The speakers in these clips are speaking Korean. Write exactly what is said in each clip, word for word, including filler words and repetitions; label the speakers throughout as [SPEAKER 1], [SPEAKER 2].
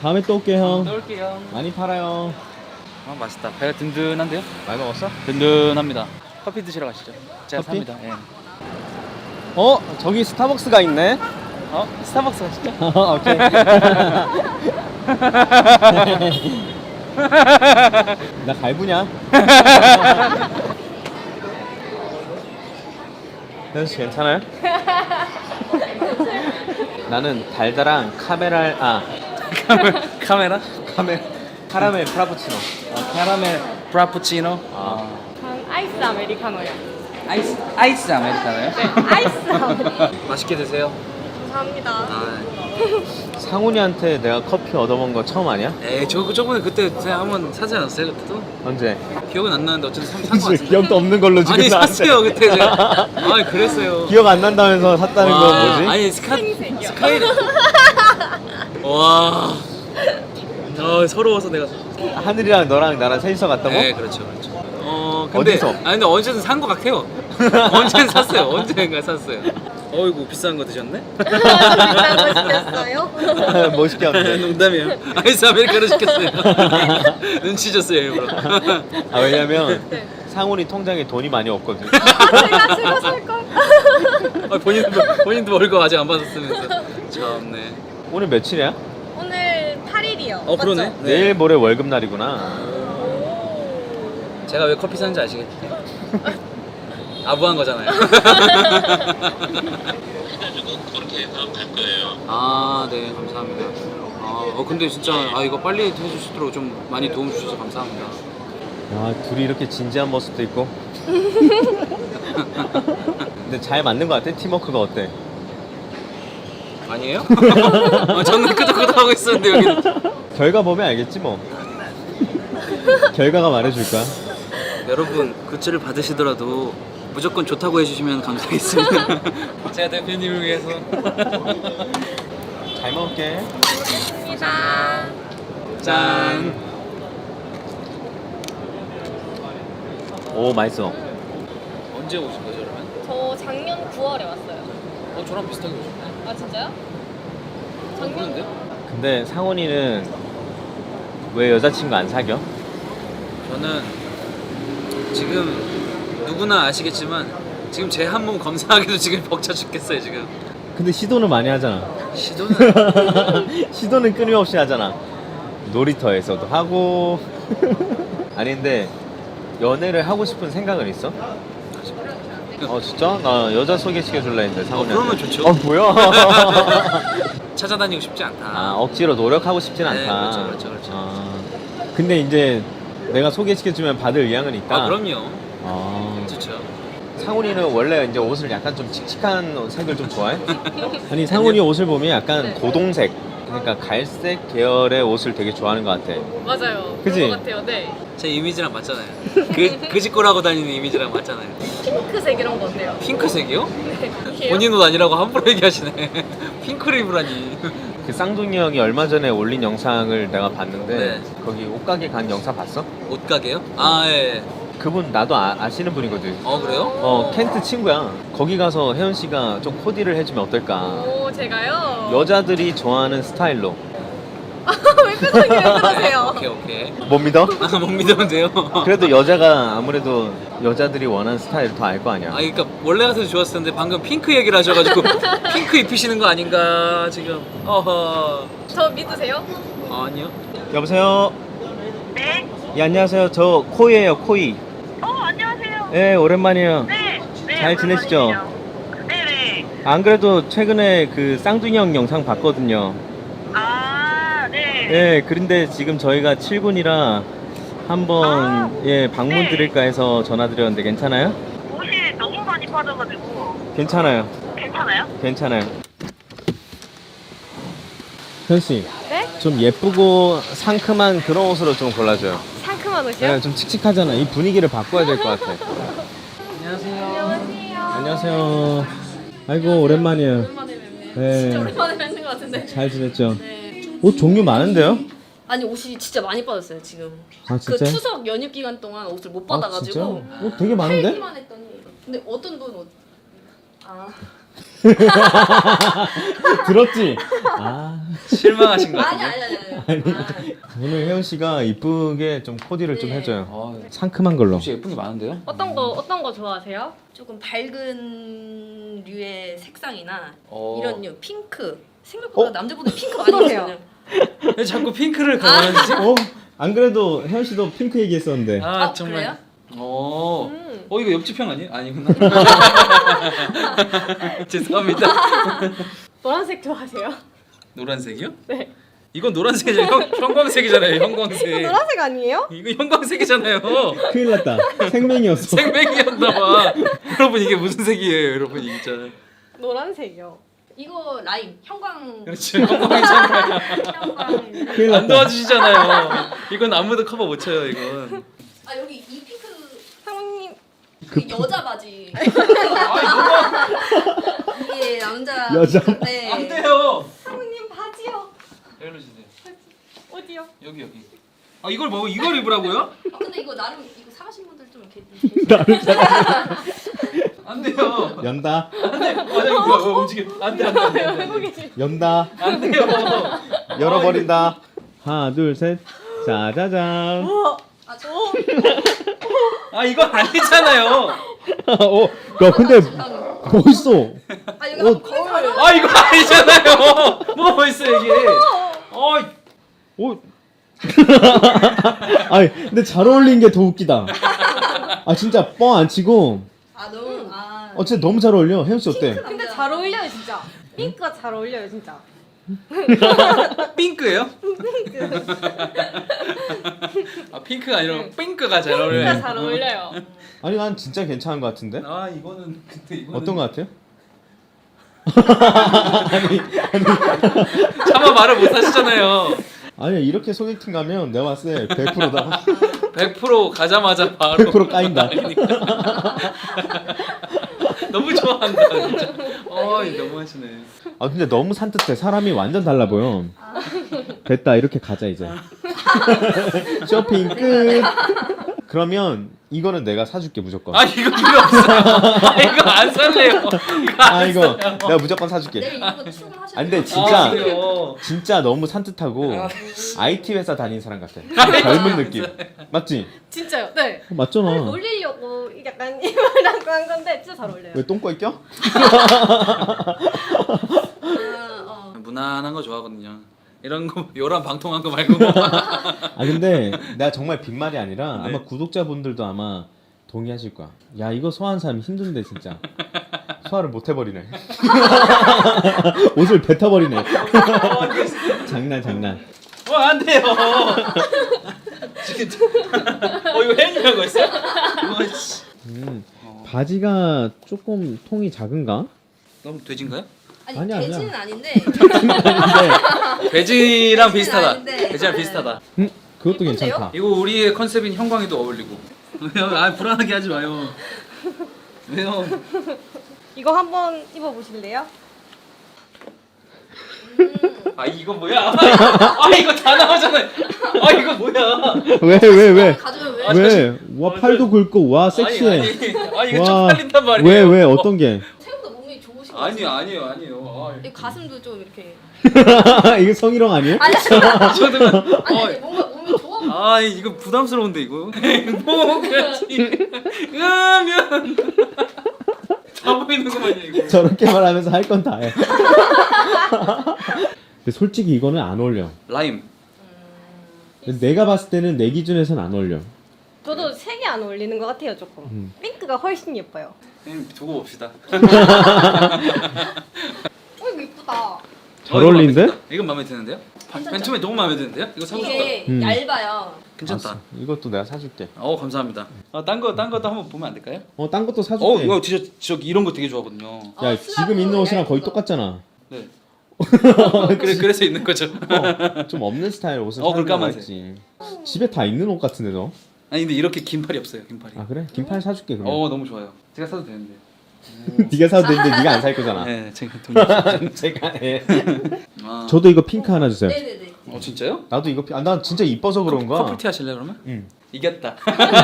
[SPEAKER 1] 다음에 또 올게 형.
[SPEAKER 2] 또 올게요.
[SPEAKER 1] 많이 팔아요.
[SPEAKER 2] 아 맛있다. 배가 든든한데요?
[SPEAKER 1] 많이 먹었어?
[SPEAKER 2] 든든합니다. 커피 드시러 가시죠. 제가
[SPEAKER 1] 커피?
[SPEAKER 2] 삽니다. 예.
[SPEAKER 1] 어 저기 스타벅스가 있네.
[SPEAKER 2] 어? 스타벅스 가시죠?
[SPEAKER 1] 오케이. 나 갈부냐? 현수 괜찮아요? 나는 달달한 카메랄 아
[SPEAKER 2] 카메라?
[SPEAKER 1] 카메 카라멜 프라푸치노.
[SPEAKER 2] 아, 카라멜 프라푸치노.
[SPEAKER 1] 아
[SPEAKER 3] 전 아이스 아메리카노요.
[SPEAKER 2] 아이스 아이스 아메리카노요?
[SPEAKER 3] 네, 아이스 아메리카노.
[SPEAKER 2] 맛있게 드세요.
[SPEAKER 3] 감사합니다.
[SPEAKER 2] 아,
[SPEAKER 1] 상훈이한테 내가 커피 얻어본 거 처음 아니야?
[SPEAKER 2] 에이 저 저번에 그때 제가 한번 사지 않았어요 그때도?
[SPEAKER 1] 언제?
[SPEAKER 2] 기억은 안 나는데 어쨌든 산거 같은데.
[SPEAKER 1] 기억도 없는 걸로 지금
[SPEAKER 2] 아니
[SPEAKER 1] 나한테.
[SPEAKER 2] 샀어요 그때 제가. 아니 그랬어요.
[SPEAKER 1] 기억 안 난다면서 샀다는
[SPEAKER 2] 와,
[SPEAKER 1] 건 뭐지?
[SPEAKER 2] 아니 스카
[SPEAKER 3] 생색이요.
[SPEAKER 2] 스카이. 와. 어 서러워서 내가.
[SPEAKER 1] 하늘이랑 너랑 나랑 셋이서 갔다고?
[SPEAKER 2] 네 그렇죠 그렇죠. 어 근데
[SPEAKER 1] 어디서?
[SPEAKER 2] 아 근데 언제든 산 거 같아요. 언제든 샀어요. 언젠가 샀어요. 어이구 비싼 거 드셨네?
[SPEAKER 3] 맛있겠어요?
[SPEAKER 1] 멋있게 하면
[SPEAKER 2] 농담이에요. 아이스 아메리카노 시켰어요. 눈치 줬어요 일부러.
[SPEAKER 1] 아 왜냐면
[SPEAKER 3] 네.
[SPEAKER 1] 상훈이 통장에 돈이 많이 없거든.
[SPEAKER 3] 제가 제가 살 걸.
[SPEAKER 2] 아, 본인도 본인도 월급 아직 안 받았으면서. 참네.
[SPEAKER 1] 오늘 며칠이야?
[SPEAKER 3] 오늘 팔 일이요.
[SPEAKER 2] 어 그러네. 네.
[SPEAKER 1] 내일 모레 월급 날이구나.
[SPEAKER 2] 제가 왜 커피 사는지 아시겠죠? 아부한 거잖아요. 아, 네, 감사합니다. 아, 어, 근데 진짜 아 이거 빨리 해주시도록 좀 많이 도움 주셔서 감사합니다.
[SPEAKER 1] 야 둘이 이렇게 진지한 모습도 있고. 근데 잘 맞는 것 같아? 팀워크가 어때?
[SPEAKER 2] 아니에요? 어, 저는 끄덕끄덕 하고 있었는데 여기.
[SPEAKER 1] 결과 보면 알겠지 뭐. 결과가 말해줄 거야.
[SPEAKER 2] 여러분 굿즈를 받으시더라도 무조건 좋다고 해주시면 감사하겠습니다. 제가 대표님을 위해서.
[SPEAKER 1] 잘 먹을게.
[SPEAKER 3] 감사합니다.
[SPEAKER 2] 짠.
[SPEAKER 1] 오 맛있어.
[SPEAKER 2] 언제 오신 거죠, 그러면?
[SPEAKER 3] 저 작년 구월에 왔어요.
[SPEAKER 2] 어, 저랑 비슷하게 오셨네.
[SPEAKER 3] 아 진짜요? 작년
[SPEAKER 2] 모르는데요?
[SPEAKER 1] 근데 상훈이는 왜 여자친구 안 사겨?
[SPEAKER 2] 저는 지금 누구나 아시겠지만 지금 제 한 몸 검사하기도 지금 벅차 죽겠어요 지금.
[SPEAKER 1] 근데 시도는 많이 하잖아.
[SPEAKER 2] 시도는
[SPEAKER 1] 시도는 끊임없이 하잖아. 놀이터에서도 하고. 아니 근데 연애를 하고 싶은 생각은 있어? 어 진짜? 나 여자 소개시켜줄라 했는데 상훈이한테.
[SPEAKER 2] 어, 그러면 좋죠.
[SPEAKER 1] 어 뭐야?
[SPEAKER 2] 찾아다니고 싶지 않다.
[SPEAKER 1] 아 억지로 노력하고 싶진
[SPEAKER 2] 네,
[SPEAKER 1] 않다.
[SPEAKER 2] 그렇죠, 그렇죠, 그렇죠.
[SPEAKER 1] 아, 근데 이제 내가 소개시켜주면 받을 의향은 있다.
[SPEAKER 2] 아 그럼요.
[SPEAKER 1] 아,
[SPEAKER 2] 좋죠.
[SPEAKER 1] 상훈이는 원래 이제 옷을 약간 좀 칙칙한 색을 좀 좋아해? 아니 상훈이 옷을 보면 약간
[SPEAKER 3] 네.
[SPEAKER 1] 고동색, 그러니까 갈색 계열의 옷을 되게 좋아하는 것 같아.
[SPEAKER 3] 맞아요.
[SPEAKER 1] 그치?
[SPEAKER 3] 그런 것 같아요. 네.
[SPEAKER 2] 제 이미지랑 맞잖아요. 그 그짓골하고 다니는 이미지랑 맞잖아요.
[SPEAKER 3] 핑크색 이런 거 어때요?
[SPEAKER 2] 핑크색이요?
[SPEAKER 3] 네.
[SPEAKER 2] 본인 옷 아니라고 함부로 얘기하시네. 핑크를 입으라니.
[SPEAKER 1] 그 쌍둥이 형이 얼마 전에 올린 영상을 내가 봤는데
[SPEAKER 2] 네.
[SPEAKER 1] 거기 옷가게 간 영상 봤어?
[SPEAKER 2] 옷가게요? 아 예.
[SPEAKER 1] 그분 나도 아, 아시는 분이거든.
[SPEAKER 2] 어 그래요?
[SPEAKER 1] 어 켄트 친구야. 거기 가서 혜연 씨가 좀 코디를 해주면 어떨까?
[SPEAKER 3] 오 제가요?
[SPEAKER 1] 여자들이 좋아하는 스타일로.
[SPEAKER 3] 왜 표정이 왜 그러세요?
[SPEAKER 2] 오케이 오케이.
[SPEAKER 1] 못 믿어?
[SPEAKER 2] 아, 못 믿으면 돼요.
[SPEAKER 1] 그래도 여자가 아무래도 여자들이 원하는 스타일을 더 알 거 아니야.
[SPEAKER 2] 아 그러니까 원래 같아도 좋았을 텐데 방금 핑크 얘기를 하셔가지고 핑크 입히시는 거 아닌가 지금. 어허.
[SPEAKER 3] 저 믿으세요?
[SPEAKER 2] 아니요.
[SPEAKER 1] 여보세요?
[SPEAKER 4] 네.
[SPEAKER 1] 예, 안녕하세요. 저 코이예요, 코이.
[SPEAKER 4] 어, 안녕하세요.
[SPEAKER 1] 예, 오랜만이에요.
[SPEAKER 4] 네. 네.
[SPEAKER 1] 잘 지내시죠?
[SPEAKER 4] 오랜만이네요. 네네.
[SPEAKER 1] 안 그래도 최근에 그 쌍둥이 형 영상 봤거든요.
[SPEAKER 4] 아, 네.
[SPEAKER 1] 예, 그런데 지금 저희가 칠 군이라 한번
[SPEAKER 4] 아,
[SPEAKER 1] 예, 방문
[SPEAKER 4] 네.
[SPEAKER 1] 드릴까 해서 전화드렸는데 괜찮아요?
[SPEAKER 4] 옷이 너무 많이 빠져가지고.
[SPEAKER 1] 괜찮아요.
[SPEAKER 4] 괜찮아요?
[SPEAKER 1] 괜찮아요. 현 씨,
[SPEAKER 3] 네?
[SPEAKER 1] 좀 예쁘고 상큼한 그런 옷으로 좀 골라줘요.
[SPEAKER 3] 상큼한 옷이요?
[SPEAKER 1] 네, 좀 칙칙하잖아. 이 분위기를 바꿔야 될 것 같아.
[SPEAKER 2] 안녕하세요.
[SPEAKER 3] 안녕하세요.
[SPEAKER 1] 안녕하세요. 아이고 오랜만이에요.
[SPEAKER 3] 오랜만에 뵙네요.
[SPEAKER 1] 네.
[SPEAKER 3] 진짜 오랜만에 뵙는 것 같은데.
[SPEAKER 1] 잘 지냈죠?
[SPEAKER 3] 네.
[SPEAKER 1] 옷 종류 많은데요?
[SPEAKER 3] 아니 옷이 진짜 많이 빠졌어요 지금.
[SPEAKER 1] 아
[SPEAKER 3] 그
[SPEAKER 1] 진짜?
[SPEAKER 3] 추석 연휴 기간 동안 옷을 못
[SPEAKER 1] 아,
[SPEAKER 3] 받아가지고
[SPEAKER 1] 진짜? 옷 되게 많은데?
[SPEAKER 3] 팔기만 했더니. 근데 어떤 돈 옷? 아
[SPEAKER 1] 들었지? 아
[SPEAKER 2] 실망하신 것
[SPEAKER 3] 아니
[SPEAKER 2] 같은데.
[SPEAKER 3] 아니 아니. 아니.
[SPEAKER 1] 오늘 혜연 씨가 이쁘게 좀 코디를 좀
[SPEAKER 3] 네.
[SPEAKER 1] 해줘요.
[SPEAKER 2] 아,
[SPEAKER 1] 상큼한 걸로.
[SPEAKER 2] 혹시 예쁜 게 많은데요?
[SPEAKER 3] 어떤 거 어떤 거 좋아하세요? 조금 밝은 류의 색상이나
[SPEAKER 2] 어.
[SPEAKER 3] 이런 류 핑크. 생각보다
[SPEAKER 1] 어?
[SPEAKER 3] 남자분들 핑크 많이 입거든요.
[SPEAKER 2] 왜 자꾸 핑크를 가만히지?
[SPEAKER 1] 어? 안 그래도 혜연 씨도 핑크 얘기했었는데.
[SPEAKER 2] 아,
[SPEAKER 3] 아,
[SPEAKER 2] 정말.
[SPEAKER 3] 그래요?
[SPEAKER 2] 어.
[SPEAKER 3] 음.
[SPEAKER 2] 어 이거 옆집 형 아니에요? 아니구나. 죄송합니다.
[SPEAKER 5] 노란색 좋아하세요?
[SPEAKER 2] 노란색이요?
[SPEAKER 5] 네.
[SPEAKER 2] 이건 노란색이잖아요. 형, 형광색이잖아요. 형광색.
[SPEAKER 5] 노란색 아니에요?
[SPEAKER 2] 이거 형광색이잖아요.
[SPEAKER 1] 큰일 났다. 생맹이었어.
[SPEAKER 2] 생맥이었나봐. 여러분 이게 무슨 색이에요, 여러분 진짜.
[SPEAKER 5] 노란색이요.
[SPEAKER 3] 이거 라임 형광
[SPEAKER 2] 그렇죠. 형광이잖아요.
[SPEAKER 3] 형광.
[SPEAKER 1] 큰일
[SPEAKER 2] 안
[SPEAKER 1] 났다.
[SPEAKER 2] 도와주시잖아요. 이건 아무도 커버 못 쳐요, 이건.
[SPEAKER 3] 아 여기 이 핑크
[SPEAKER 5] 사모님
[SPEAKER 3] 그 여자 바지.
[SPEAKER 2] 아,
[SPEAKER 3] 이게 남자.
[SPEAKER 1] 여자.
[SPEAKER 3] 네.
[SPEAKER 2] 안 돼요.
[SPEAKER 5] 사모님 바지요.
[SPEAKER 2] 여기로 주세요.
[SPEAKER 5] 어디요?
[SPEAKER 2] 여기 여기. 아 이걸 뭐 이걸 입으라고요?
[SPEAKER 3] 아, 근데 이거 나름 이거 사가신 분들 좀 이렇게.
[SPEAKER 2] 안 돼요.
[SPEAKER 1] 연다.
[SPEAKER 2] 안 돼. 아 이거 뭐 움직여. 안 돼, 안 돼, 안 돼. 안 돼, 안 돼.
[SPEAKER 1] 연다.
[SPEAKER 2] 안 돼요.
[SPEAKER 1] 열어버린다. 하나 둘 셋. 짜자잔.
[SPEAKER 3] 아 저.
[SPEAKER 2] 아 이거 아니잖아요.
[SPEAKER 1] 어, 야 근데 멋있어.
[SPEAKER 3] 아 여기
[SPEAKER 1] 어.
[SPEAKER 3] 한번 거울.
[SPEAKER 2] 아 이거 아니잖아요. 뭐 있어 이게. 어.
[SPEAKER 1] 오. 아니 근데 잘 어울린 게 더 웃기다. 아 진짜 뻥 안 치고.
[SPEAKER 3] 아 너무 아.
[SPEAKER 1] 어 진짜 너무 잘 어울려. 혜연 씨 어때?
[SPEAKER 5] 근데 잘 어울려요 진짜. 핑크가 잘 어울려요 진짜.
[SPEAKER 2] 핑크예요? 아 핑크가 아니라 핑크가 잘
[SPEAKER 5] 핑크가
[SPEAKER 2] 어울려요.
[SPEAKER 5] 잘 어울려요.
[SPEAKER 1] 아니 난 진짜 괜찮은 것 같은데.
[SPEAKER 2] 아 이거는 근데 이거는
[SPEAKER 1] 어떤 것 같아요?
[SPEAKER 2] 차마 말을 못 하시잖아요.
[SPEAKER 1] 아니야 이렇게 소개팅 가면 내가 봤을 때 백 퍼센트다.
[SPEAKER 2] 백 퍼센트 가자마자 바로
[SPEAKER 1] 백 퍼센트 까인다.
[SPEAKER 2] 너무 좋아한다 진짜. 어 너무 하시네.
[SPEAKER 1] 아 근데 너무 산뜻해. 사람이 완전 달라 보여. 됐다 이렇게 가자 이제. 쇼핑 끝. 그러면 이거는 내가 사줄게 무조건.
[SPEAKER 2] 아 이거 필요 없어요. 아 이거 안 살래요. 이거 안
[SPEAKER 1] 아 이거
[SPEAKER 2] 사요.
[SPEAKER 1] 내가 무조건 사줄게.
[SPEAKER 3] 내일 이거 출근하셔야
[SPEAKER 1] 아 근데
[SPEAKER 3] 돼요.
[SPEAKER 1] 진짜
[SPEAKER 2] 아, 그래요?
[SPEAKER 1] 진짜 너무 산뜻하고
[SPEAKER 2] 아.
[SPEAKER 1] 아이티 회사 다니는 사람 같아. 젊은 느낌. 맞지?
[SPEAKER 5] 진짜요? 네.
[SPEAKER 1] 어, 맞잖아.
[SPEAKER 5] 놀리려고 약간 이걸 하고 한 건데 진짜 잘 어울려요.
[SPEAKER 1] 왜 똥꼬 껴?
[SPEAKER 3] 아, 어.
[SPEAKER 2] 무난한 거 좋아하거든요. 이런 거 요란 방통한 거 말고.
[SPEAKER 1] 아 근데 내가 정말 빈말이 아니라
[SPEAKER 2] 네.
[SPEAKER 1] 아마 구독자분들도 아마 동의하실 거야. 야 이거 소화하는 사람 힘든데 진짜. 소화를 못 해버리네. 옷을 뱉어버리네. 장난 장난.
[SPEAKER 2] 어, 안 돼요. 지금 어 이거 혜연이라고 했어요? 이거 씨.
[SPEAKER 1] 음, 바지가 조금 통이 작은가?
[SPEAKER 2] 너무 돼지인가요?
[SPEAKER 3] 아니
[SPEAKER 1] 아니야, 아니야.
[SPEAKER 3] 돼지는 아닌데.
[SPEAKER 1] 근데
[SPEAKER 2] 돼지랑 비슷하다.
[SPEAKER 3] 아닌데.
[SPEAKER 2] 돼지랑 비슷하다.
[SPEAKER 1] 음, 그것도
[SPEAKER 3] 예쁜데요?
[SPEAKER 1] 괜찮다.
[SPEAKER 2] 이거 우리의 컨셉인 형광이도 어울리고. 왜요? 아 불안하게 하지 마요. 왜요?
[SPEAKER 5] 이거 한번 입어보실래요?
[SPEAKER 2] 아 이거 뭐야? 아 이거 다 나오잖아요. 아 이거 뭐야?
[SPEAKER 1] 왜 왜 왜?
[SPEAKER 3] 가져요 왜?
[SPEAKER 2] 아,
[SPEAKER 1] 왜? 와 팔도 굵고 와 섹시해.
[SPEAKER 2] 아니, 아니, 아 이거
[SPEAKER 1] 와,
[SPEAKER 2] 쪽팔린단 말이에요.
[SPEAKER 1] 왜 왜 어떤 게?
[SPEAKER 3] 생각보다 몸이 좋으신 것
[SPEAKER 2] 아니요
[SPEAKER 3] 같아요.
[SPEAKER 2] 아니요 아니요.
[SPEAKER 3] 이 가슴도 좀 이렇게.
[SPEAKER 1] 이게 성희롱 아니에요?
[SPEAKER 3] 아니 아니
[SPEAKER 2] 아, 저도
[SPEAKER 3] 아니,
[SPEAKER 2] 어,
[SPEAKER 3] 아니 뭔가 몸이 좋아. 보여.
[SPEAKER 2] 아 이거 부담스러운데 이거. 행복하지. 으면 다 보이는구만요 이거.
[SPEAKER 1] 저렇게 말하면서 할 건 다 해. 근데 솔직히 이거는 안 어울려.
[SPEAKER 2] 라임.
[SPEAKER 1] 근데 내가 봤을 때는 내 기준에선 안 어울려.
[SPEAKER 5] 저도 색이 안 어울리는 것 같아요 조금.
[SPEAKER 1] 음.
[SPEAKER 5] 핑크가 훨씬 예뻐요.
[SPEAKER 2] 음, 두고 봅시다.
[SPEAKER 5] 어 이거 이쁘다.
[SPEAKER 1] 잘
[SPEAKER 2] 어, 이거
[SPEAKER 1] 어울리는데?
[SPEAKER 2] 마음에 든다. 이건 마음에 드는데요?
[SPEAKER 3] 괜찮죠?
[SPEAKER 2] 맨 처음에 너무 마음에 드는데요? 이거 사고 싶다.
[SPEAKER 3] 이게
[SPEAKER 1] 음.
[SPEAKER 3] 얇아요.
[SPEAKER 2] 괜찮다.
[SPEAKER 1] 알았어. 이것도 내가 사줄게.
[SPEAKER 2] 어 감사합니다. 아딴 거 딴 것도 한번 보면 안 될까요?
[SPEAKER 1] 어, 딴 것도 사줄게.
[SPEAKER 2] 어 이거 진짜 저 이런 거 되게 좋아하거든요.
[SPEAKER 1] 야,
[SPEAKER 3] 어,
[SPEAKER 1] 지금 있는 옷이랑
[SPEAKER 3] 얇은
[SPEAKER 1] 거의
[SPEAKER 3] 거.
[SPEAKER 1] 똑같잖아.
[SPEAKER 2] 네. 그래 그래서 있는 거죠.
[SPEAKER 1] 어, 좀 없는 스타일 옷을
[SPEAKER 2] 어,
[SPEAKER 1] 사는
[SPEAKER 2] 그럼
[SPEAKER 1] 거
[SPEAKER 2] 까만색.
[SPEAKER 1] 있지. 집에 다 있는 옷 같은데 너?
[SPEAKER 2] 아니 근데 이렇게 긴 팔이 없어요. 긴 팔이.
[SPEAKER 1] 아 그래? 긴팔 사줄게 그러면.
[SPEAKER 2] 어 너무 좋아요. 제가 사도 되는데.
[SPEAKER 1] 네가 사도 되는데 네가 안 살 거잖아.
[SPEAKER 2] 네 제가 돈.
[SPEAKER 1] 제가 해.
[SPEAKER 2] 아.
[SPEAKER 1] 저도 이거 핑크 하나 주세요.
[SPEAKER 3] 네네네.
[SPEAKER 2] 어 진짜요?
[SPEAKER 1] 나도 이거 피- 아, 난 진짜 이뻐서 그런가.
[SPEAKER 2] 커플티 하실래 그러면?
[SPEAKER 1] 응.
[SPEAKER 2] 이겼다.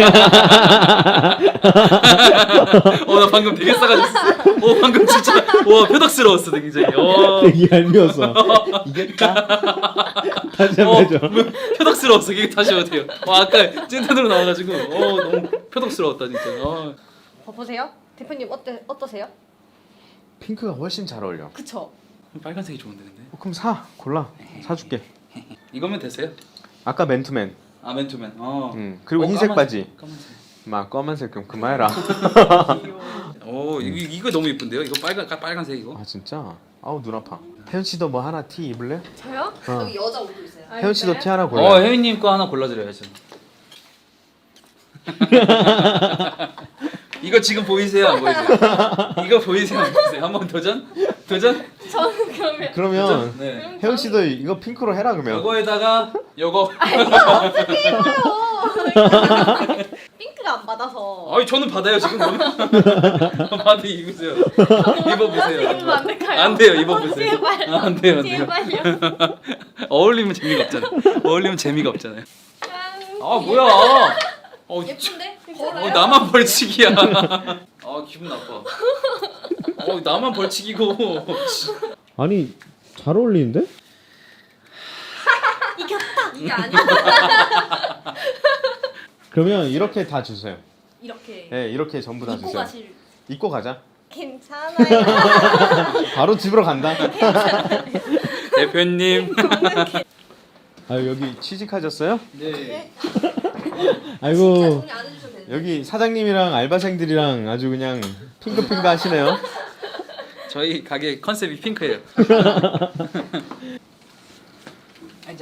[SPEAKER 2] 어 나 방금 되게 싸가졌어. 어 방금 진짜 와 표덕스러웠어 굉장히. 어.
[SPEAKER 1] 되게 얄미웠어. 이겼다. 다시
[SPEAKER 2] 어,
[SPEAKER 1] 한번 해줘.
[SPEAKER 2] 표덕스러웠어. 이게 다시 어때요? 와 아까 찐텐으로 나와가지고 어 너무 표덕스러웠다 진짜. 어.
[SPEAKER 5] 어, 보세요. 대표님 어때 어떠세요?
[SPEAKER 1] 핑크가 훨씬 잘 어울려.
[SPEAKER 5] 그쵸?
[SPEAKER 2] 빨간색이 좋은데 근데.
[SPEAKER 1] 어, 그럼 사. 골라. 사줄게.
[SPEAKER 2] 이거면 되세요?
[SPEAKER 1] 아까 맨투맨.
[SPEAKER 2] 아 맨투맨. 어.
[SPEAKER 1] 응. 그리고
[SPEAKER 2] 어,
[SPEAKER 1] 흰색
[SPEAKER 2] 까만색,
[SPEAKER 1] 바지.
[SPEAKER 2] 까만색.
[SPEAKER 1] 막 검은색 그럼 그만해라.
[SPEAKER 2] 오 이거 이거 너무 예쁜데요? 이거 빨간 빨간색 이거.
[SPEAKER 1] 아 진짜? 아우 눈 아파. 혜연 씨도 뭐 하나 티 입을래?
[SPEAKER 3] 저요?
[SPEAKER 1] 어.
[SPEAKER 3] 여기 여자 옷도 있어요.
[SPEAKER 1] 혜연 씨도 티 하나 골라.
[SPEAKER 2] 어 혜민님 거 하나 골라드려야죠. 이거 지금 보이세요? 안 보이세요? 이거 보이세요? 안 보이세요? 한번 도전? 도전?
[SPEAKER 5] 저는 그러면
[SPEAKER 1] 그러면
[SPEAKER 2] 네.
[SPEAKER 1] 혜연 씨도 이거 핑크로 해라 그러면.
[SPEAKER 2] 요거에다가 요거.
[SPEAKER 5] 핑크가 안 받아서.
[SPEAKER 2] 아니 저는 받아요 지금. 받아 입으세요. 입어보세요.
[SPEAKER 5] 입으면 안 될까요?
[SPEAKER 2] 안 돼요. 입어보세요.
[SPEAKER 5] 제발.
[SPEAKER 2] 아, 안 돼요. 안 돼요.
[SPEAKER 5] 제발요.
[SPEAKER 2] 어울리면 재미가 없잖아요. 어울리면 재미가 없잖아요.
[SPEAKER 5] 짠.
[SPEAKER 2] 아 뭐야? 어,
[SPEAKER 3] 예쁜데?
[SPEAKER 2] 어 나만 벌칙이야. 아 기분 나빠. 어 나만 벌칙이고.
[SPEAKER 1] 아니 잘 어울리는데?
[SPEAKER 3] 이게 아니야.
[SPEAKER 1] 그러면 이렇게 다 주세요.
[SPEAKER 3] 이렇게
[SPEAKER 1] 네 이렇게 전부 다
[SPEAKER 3] 입고
[SPEAKER 1] 주세요.
[SPEAKER 3] 가실.
[SPEAKER 1] 입고 가자.
[SPEAKER 5] 괜찮아요.
[SPEAKER 1] 바로 집으로 간다.
[SPEAKER 2] 대표님.
[SPEAKER 1] 아 여기 취직하셨어요?
[SPEAKER 2] 네.
[SPEAKER 1] 아이고
[SPEAKER 3] 정리 안 해주셔도 되는데.
[SPEAKER 1] 여기 사장님이랑 알바생들이랑 아주 그냥 핑크핑크 하시네요.
[SPEAKER 2] 저희 가게 컨셉이 핑크예요. 앉아.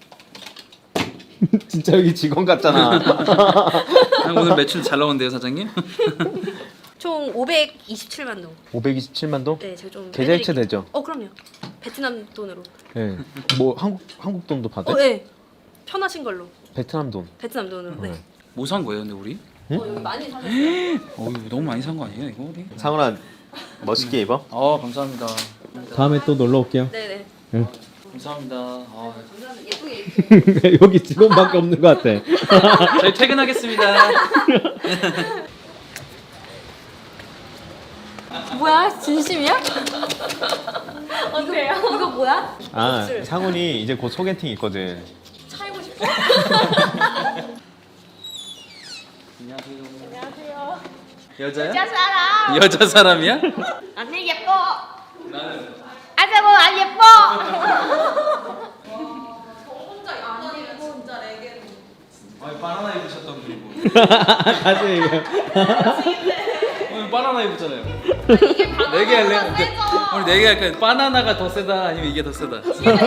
[SPEAKER 1] 진짜 여기 직원 같잖아.
[SPEAKER 2] 오늘 매출 잘 나오는데요 사장님?
[SPEAKER 3] 총 오백이십칠만 동.
[SPEAKER 1] 오백이십칠만 도?
[SPEAKER 3] 네, 제가 좀
[SPEAKER 1] 계좌이체
[SPEAKER 3] 빼드릴게요.
[SPEAKER 1] 되죠?
[SPEAKER 3] 어, 그럼요. 베트남 돈으로.
[SPEAKER 1] 네. 뭐 한국 한국 돈도 받아?
[SPEAKER 3] 어, 네. 편하신 걸로.
[SPEAKER 1] 베트남 돈.
[SPEAKER 3] 베트남 돈으로. 네.
[SPEAKER 1] 네.
[SPEAKER 2] 뭐 산 거예요 근데 우리?
[SPEAKER 1] 응?
[SPEAKER 3] 어, 여기 많이 사셨어요.
[SPEAKER 2] 어 이거 너무 많이 산 거 아니에요 이거 우리?
[SPEAKER 1] 상훈아 멋있게 입어.
[SPEAKER 2] 아 감사합니다.
[SPEAKER 1] 다음에 또 놀러 올게요.
[SPEAKER 3] 네,
[SPEAKER 2] 감사합니다. 아,
[SPEAKER 3] 네. 감사합니다. 예쁘게 입고.
[SPEAKER 1] 여기 직원밖에 없는 것 같아.
[SPEAKER 2] 저희 퇴근하겠습니다.
[SPEAKER 5] 뭐야? 진심이야? 어때요?
[SPEAKER 3] 이거 뭐야?
[SPEAKER 1] 아 상훈이 이제 곧 소개팅 있거든.
[SPEAKER 3] 차이고 싶어?
[SPEAKER 2] 안녕하세요.
[SPEAKER 5] 안녕하세요.
[SPEAKER 2] 여자야?
[SPEAKER 5] 여자 사람.
[SPEAKER 2] 여자 사람이야?
[SPEAKER 5] 언니 예뻐.
[SPEAKER 2] 나는
[SPEAKER 5] 아자고 안 예뻐.
[SPEAKER 2] 아니 바나나 입으셨던 분이고.
[SPEAKER 1] 다시 얘기해.
[SPEAKER 2] 오늘 바나나 입었잖아요. 네개 할래요? 우리 네개 할까요? 바나나가 더 세다 아니면 이게 더 세다?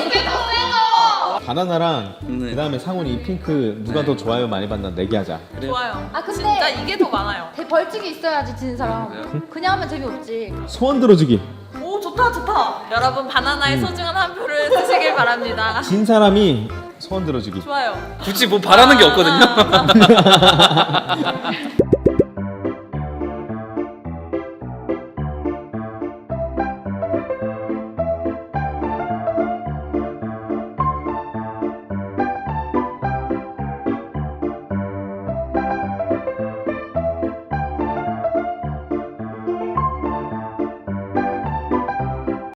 [SPEAKER 1] 바나나랑
[SPEAKER 2] 네.
[SPEAKER 1] 그다음에 상훈이 이 핑크 누가 더 좋아요 많이 받나 내기하자.
[SPEAKER 6] 좋아요.
[SPEAKER 5] 아 근데
[SPEAKER 6] 진짜 이게 더 많아요.
[SPEAKER 5] 대 벌칙이 있어야지 지는 사람.
[SPEAKER 2] 그래요?
[SPEAKER 5] 그냥 하면 재미없지.
[SPEAKER 1] 소원 들어주기.
[SPEAKER 6] 오 좋다 좋다. 여러분 바나나의 소중한 한 표를 쓰시길 바랍니다.
[SPEAKER 1] 진 사람이 소원 들어주기.
[SPEAKER 6] 좋아요.
[SPEAKER 2] 굳이 뭐 바라는 게 없거든요.